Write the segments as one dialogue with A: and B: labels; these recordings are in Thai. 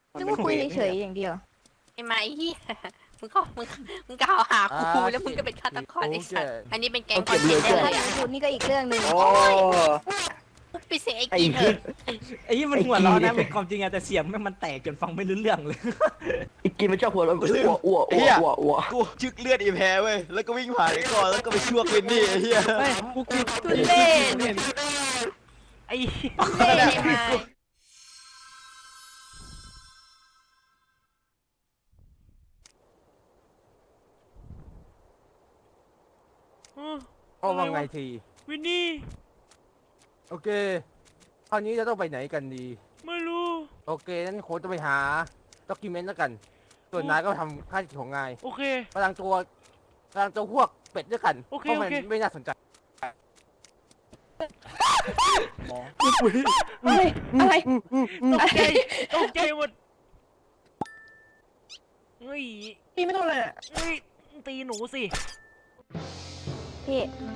A: นึกว่าคุยเฉยๆอย่างเดียว
B: ไอ้ไม้เหี้ยมึงกล่าวหากูแล้วมึงก็เป็นฆาตกรไอ้สัตว์อันนี้เป็นแก๊งคอนเทนต์ได้เลยอ่ะ
A: พูดนี่ก็อีกเรื่องหนึ่ง
C: โอ้
B: ไปเสียไอ้กินเถอะ
D: ไอ้ยี่มันหัวร้อนนะเป็นความจริงอะแต่เสียงมันแตกจนฟังไม่รู้เรื่องเลย
C: ไอ้กินมันชอบหัวเราะอ้วอ้ว
E: กูจึกเลือดอีแพ้เว้ยแล้วก็วิ่งผ่านไอ้ก่อนแล้วก็ไปช่วงวินนี่ไอ้เหี้ย
D: เฮ้ยกู
B: ทุเล่น
D: ไอ้
B: ทุเล่นไอ้ไม้
F: เอาว่าไงที
D: วินนี่
F: โอเคคราวนี้จะต้องไปไหนกันดี
D: ไม่รู้
F: โอเคนั้นโค้ชจะไปหาด็อกิเมนต์แล้วกัน ส่วนนายก็ทำค่าที่ของนาย
D: โอเค
F: พลังตัวพวกเป็ดด้วยกัน
D: โอเค
F: เพราะมัน
D: โอเค
F: ไม่น่าสนใจ
A: อะไร
D: ตกใจตกใจหมดเฮ้ย
A: พี่ไม่ต้องเลย
D: เฮ้ยตีหนูสิ
A: พี่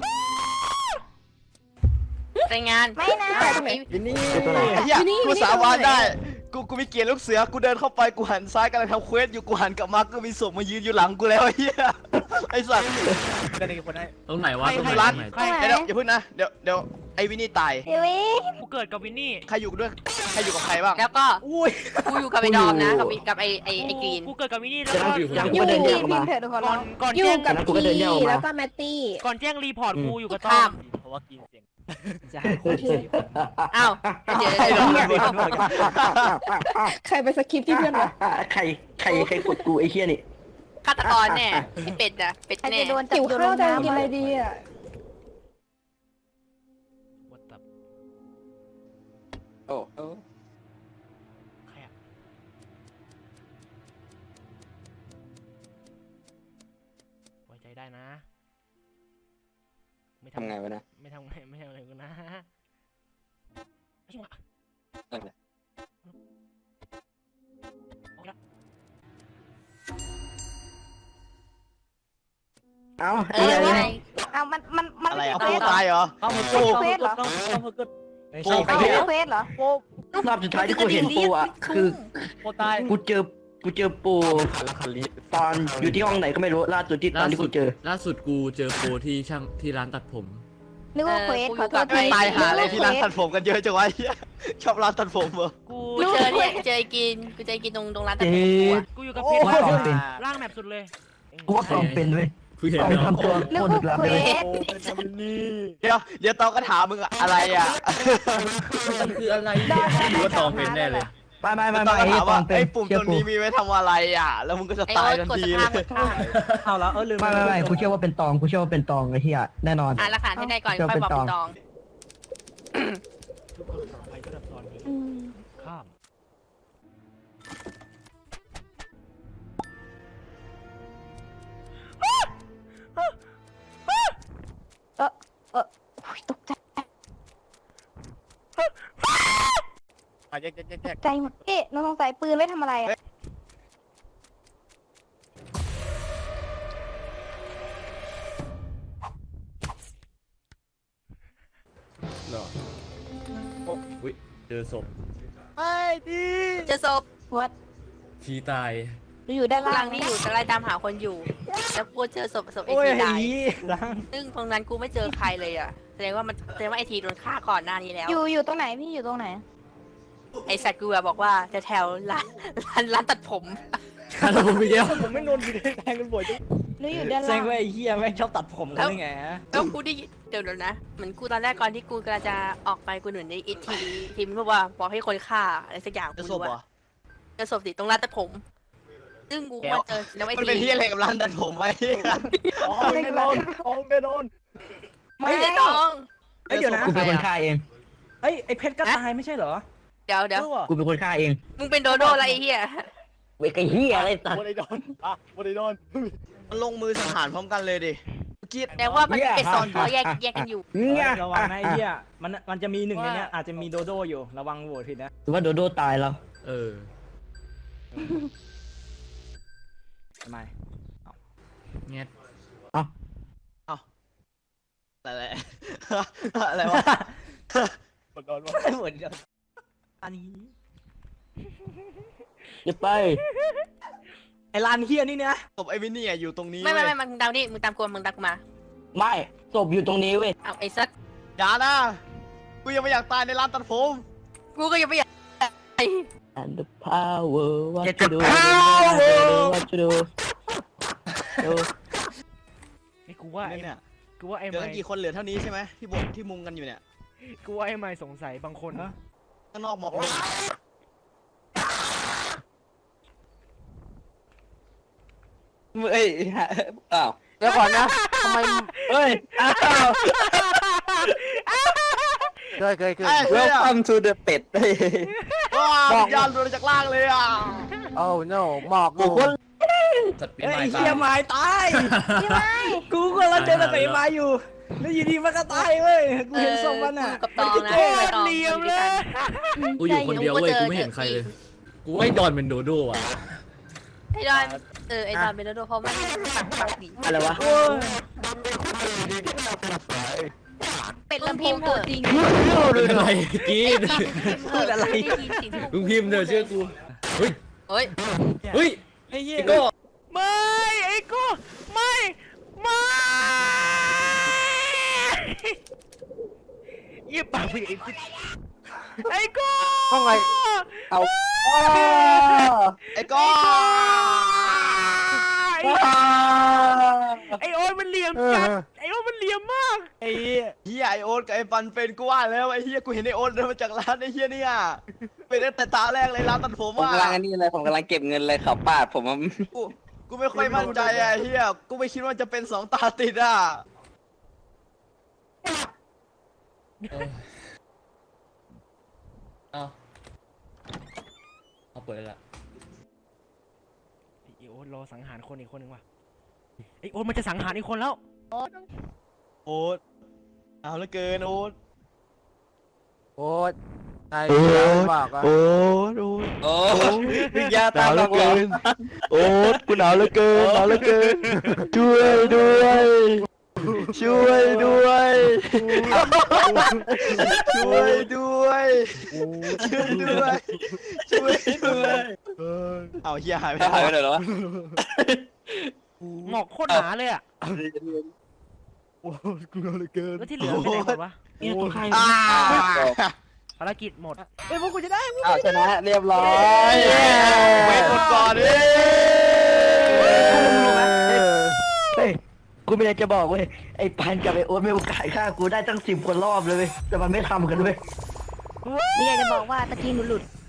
B: รายงาน
A: ไม่นะ
E: วินนี่ไอ้เหี้ยกูสาบานได้กูมีเกียร์ลูกเสือกูเดินเข้าไปกูหันซ้ายกำลังทำเควสอยู่กูหันกลับมาก็มีศพมายืนอยู่หลังกูแล้วไอ้เหี้ยไอ้สัตว์
D: กันอีกคนได้
G: ตรงไหนวะ
D: ใคร
G: ตรงไหน
E: ร้าน
G: ตรงไหน
D: ใคร
E: เดี๋ยวอย่าพึ่งนะเดี๋ยวไอ้วินนี่ตาย
A: พี่วิ
D: กูเกิดกับวินนี่
E: ใครอยู่ด้วยใครอยู่กับใครบ้าง
B: แล้วก็
D: อุ้ย
B: กูอยู่กับไอ้ดอมนะกับไอ้กรีน
D: กูเกิดกับวินนี่แล้วก็
C: ยัง
A: อ
C: กู
A: ยู่
C: ก็เดิน
A: พี่
C: แยกออก
A: พิ
C: มา
A: มพ์เถอะทุกคน
D: ก่อนก่อน
A: อยู่
D: แจ้ง
A: กับ
C: แล้วกูก็เดินแยกออกมา
A: แล้วก็แมตตี้
D: ก่อนแจ้งรีพอร์ตกูอยู่กับต้อ
B: ข้าม
D: มเพราะว่ากินเสียงใช่
B: อ้าวเดี๋ยว
E: ไอ้ดอม
A: ใครไปสคริปต์ที่เพื่อนวะ
C: ใครกดกูไอ้เหี้ยนี่
B: ฆาตกรแน่ไอ้เป็ดอะเป็ด
A: ใคร
B: แน่
A: จะโดนจับโดนลงน้ำกินอะไรดีอ่ะ
F: โอ้
D: ใครอะไว้ใจได้นะ ไม่
C: ทำไงวะนะ
D: ไม่ทำอะไรกูนะไอ้หวะ
C: นั่นแหละ
D: ออกละ
C: เอ้า
B: เอ
C: ไอ้
B: อ
C: เหี้ย
B: ไง
A: เอามัน
E: อะไร
A: ไม่
E: อ่ะ
A: ใช่
E: โป
A: เควสเหรอ
E: ตายเหรอ
D: เข้ามา
E: โอ้
A: เควสเหรอ
D: เข้ามาก็ไม่
E: โอ้
D: ใช่
A: เอาไม่ใช่เควสเหรอ
C: รอบสุดท้ายที่กูเห็นปูอ่ะคือ
D: โคตาย
C: กูเจอปูตอนอยู่ที่ห้องไหนก็ไม่รู้ล่าสุดที่ตอนที่กูเจอ
G: ล่าสุดกูเจอโปรที่ช่างที่ร้านตัดผม
A: นึกว่าเควสขอโทษ
E: ไม่ตายหาอะไรที่ร้าน
A: นึก
E: ตั
A: ว่
E: ดผมกันเยอะจังวะไอ้เหี้ยชอบร้านตัดผมเหรอ
D: กู
B: กูเจอเนี่ยเจอไอ้กินกูเจอไอ้กินตรงร้านตัดผมกูอะ
D: กูอยู่กับเพชร
C: ว่าตองเป็น
D: ร่างแมปสุดเลย
C: กูว่าตองเป็นเว้ย
G: คือเห็น
C: ตอง
G: แล้ว
C: ทำตัว
A: นึก
C: โคตร
A: ว่า
C: ลึกลับ
A: เคว
C: เลย
A: ส
E: เดี๋ยวตองก็ถามมึงอะอะไรอ่ะ
G: มันคืออะไรเนี่ยหรือว่าตองเป็นแน่เลย
C: ไม่
E: ตองก็
C: ไอ้
E: ถาม
C: ตอ
E: ว่าง
C: เป็น
E: ไอ้ปุ่ม
C: เชื่
E: ต
C: อ
E: รง
C: กู
E: นี้มีไว้ทำอะไรอ่ะ แล้วมึงก็จะ
B: ไอ้
E: ตาย
B: โอ๊ต
E: ทัน
B: กด
E: ที
B: ส
E: เล
B: ภาพ
E: ย
B: กดข้าม
D: เอาแล้วลืม
C: ไม่กูเชื่อว่าเป็นตองกูเชื่อว่าเป็นตองไอ้เหี้ยแน่นอน
B: อ่านหลักฐานให้ได้ก่อนค่อยบอกเป็นตอง
D: ไปก็แบบตอนนี้
A: อืม
D: ข้าม
A: โอ้ยตกใจ
F: แยก
A: ใจหมดเอ๊ะน้องสงสัยปืนไว้ทำอะไรอ่ะ
G: หรออุ้ยเจอศพ
B: เจอศพ
A: วัด
G: ทีตาย
A: อยู่ด้าน
B: กำลั
A: ล่าง ง
B: ที่อยู่จะไล่ตามหาคนอยู่ แล้วกูเจอศพไอ
D: โอ้ย
B: ที
D: ไอ้
B: ตาย
D: ล้าง
B: ซึ่งตรงนั้นกูไม่เจอใครเลยอ่ะแสดงว่าไอทีโดนฆ่าก่อนหน้านี้แล้ว
A: อยู่ตรงไหนพี่อยู่ตรงไหน
B: ไอสัตว์กูอะบอกว่าจะแถวร้านตัดผม
G: ถ้าผมไปเดียว
D: ผมไม่โดนอยู่ในแทงกันบ่อยจัง
A: หนูอยู่ด้าน
D: แซ
A: ล่าง ง
D: ว่าไอ้เหี้ยแม่งชอบตัดผมกันได้ไงฮะ
B: แล้วกูได้ยินเดี๋ยวนะเหมือนกูตอนแรกก่อนที่กูกำลังจะออกไปกูเหมือนได้อีทีมบอกว่าบอกให้คนฆ่าอะไรสักอย่าง
E: จะ
B: กู
E: ศพ
B: รู้
E: เหรอ
B: ว่าจะศพสิตรงร้านตัดผม ซึ่งกูมาเจอแล้วไอ
E: มัน
B: ที
E: เป็นที่อะไรกับร้านตัดผมไหม
D: อ๋อไม่โดนอ๋อไม่โดน
B: ไม่ได้ต้อง
D: เอ้ยเดี๋ยวนะ
C: กูเป็นคนฆ่าเอง
D: เอ้ยไอ้เพชรก็ตายไม่ใช่เหรอ
B: เดี๋ยว
D: เออว่ะ
C: กูเป็นคนฆ่าเอง
B: มึงเป็นโดโดอะไรไอ้เหี้ย
C: เว้ยไอ้เหี้ยอะไรสัตว์
D: วันไอ้โดนอ่ะวันไอ้โดน
E: มันลงมือสังหารพร้อมกันเลยดิกรีด
B: แต่ว่ามันเป็นโซนเขาแยกกันอยู่
C: เนี่ย
D: ระวังนะไอ้เหี้ยมันจะมีหนึ่งในเนี้ยอาจจะมีโดโดอยู่ระวังโหวตผิดนะ
C: หรือว่าโดโดตายแล้ว
G: เออ
D: ทำไม
G: เงี้ย
E: อะไรอะไรวะ
D: โดนวะเหมือนกันอันนี้
C: อย่าไป
D: ไอ้ลานเฮียนี่เนี่ย
E: ศพไอ้วินนี่อยู่ตรงนี้
B: ไม่
E: เว้ย
B: มึงตามนี่มึงตามกูมึงตามกูมา
C: ไม่ศพอยู่ตรงนี้เว้ย
B: เอาไอ้สัก
E: อย่านะกูยังไม่อยากตายในร้านตัดผม
B: กูก็ยังไม่อยาก
C: and the power what
D: Get
C: to
D: the
C: do
D: power
C: what to do
H: ไอ้กูว่า
E: เนี่ย
H: กูว่าไอ้
E: เหลือ
H: ไม้
E: กันกี่คนเหลือเท่านี้ใช่ไหมที่บนที่มุงกันอยู่เนี่ย
H: กูว่าไอ้ไม้สงสัยบางคน
E: ข้างนอกหมอกลง
C: เอ้ยอ้าว
F: เดี๋ยวก่อนนะทำไม
C: เอ้ยอ้าว
F: เคย
C: welcome to the เป็ดเฮ้ย
E: ว้าววิญญาณหลุดจากล่างเลยอ่ะ
F: โอ้ no หมอก
C: โอ้โห
G: สัตว์ปีน
D: เฮ้ย
G: ไม้
D: เฮียไม้ตาย
A: พี่ไม้
D: กูก็รังเจอแต่ไอ้ไม้อยู่แล้วอยู่ดีมันก็ตายเว้ยกูเห็นศพมันอ่ะ
B: กับตองนะ
H: โคตรเหลี่ยมเลย
G: กูอยู่คนเดียวเว้ยกูไม่เห็นใครเลย กูให้ดอนเป็นโดโด้อะ
B: ไอ้ดอนไอ้ดอนเป็นโดเพราะมันปากดี
C: อะไรวะ
A: เป็ดลำโพงตัวจริง
G: เป็นอะไรกิน
B: พูดอะไร
G: มึงพิมพ์เดี๋ยวเชื่อกู เฮ้ย
B: เฮ้ย
G: เฮ้ย
D: ไอ้เหี้ย
G: ไอ้โก้
H: ไม่ไอ้กูไม่เยี่ยปากไปไอ้กู
F: ต้องไง
C: เอา
E: ไอ้ก้อ
H: ไอ้โอ๊ตมันเหลี่ยมจัดไอ้โอ๊ตมันเหลี่ยมมาก
D: ไอ้เหี้ย
E: เฮียไอโอ๊ตกับไอ้ปันเป็นกูว่าแล้วไอ้เฮียกูเห็นไอโอ๊ตเดินมาจากร้านไอ้เฮียเนี่ยเป็นตั้งแต่ตาแรกเลยร้านตัดผม
C: ผม
E: อ่ะ
C: กำลังอันนี้เลยผมกำลังเก็บเงินเลยเขาปาดผมอะ
E: กูไม่ค่อยมั่นใจอ่ะไอ้เฮียกูไม่คิดว่าจะเป็น2 ตาติดอ่ะ
G: เอาเปิดแล้ว
H: ไอ้โอ๊ตรอสังหารคนอีกคนหนึ่งว่ะไอ้โอ๊ตมันจะสังหารอีกคนแล้ว
E: โอ๊ตเอาเหลือเกินโอ๊ต
F: โอ๊ตนายบอกอะ
E: โอ๊ต
C: โอ้วิญญาณตามหลอกหลอน
E: โอ๊ตกูหนาวเหลือเกินหนาวเหลือเกินช่วยด้วยช่วยด้วยช่วยด้วยช่วยด้วยช่วยด้วยเอาเฮียหายไป
C: หายไป
E: แล้ว
C: ไหนแล้ววะ
H: หมอกโคตรหนาเลยอ่ะแล้วที่เหลือไปไหนหมดวะ
C: เนี่ยตัวใคร
E: อ่า
H: ภารกิจหมด
D: เฮ้ยพวกกูจะได้
C: อ้าวชนะเรียบร้อย
E: เวทหมดก่อนดิ
C: เฮ้ยกูไม่ได้จะบอกเว้ยไอ้ปันกับไอ้โอ๊ตไม่โอกาสฆ่ากูได้ตั้ง10 คนรอบเลยเว้ยแต่มันไม่ทำกันเว้ย
A: นี่อยากจะบอกว่าตะกี้หนูหลุด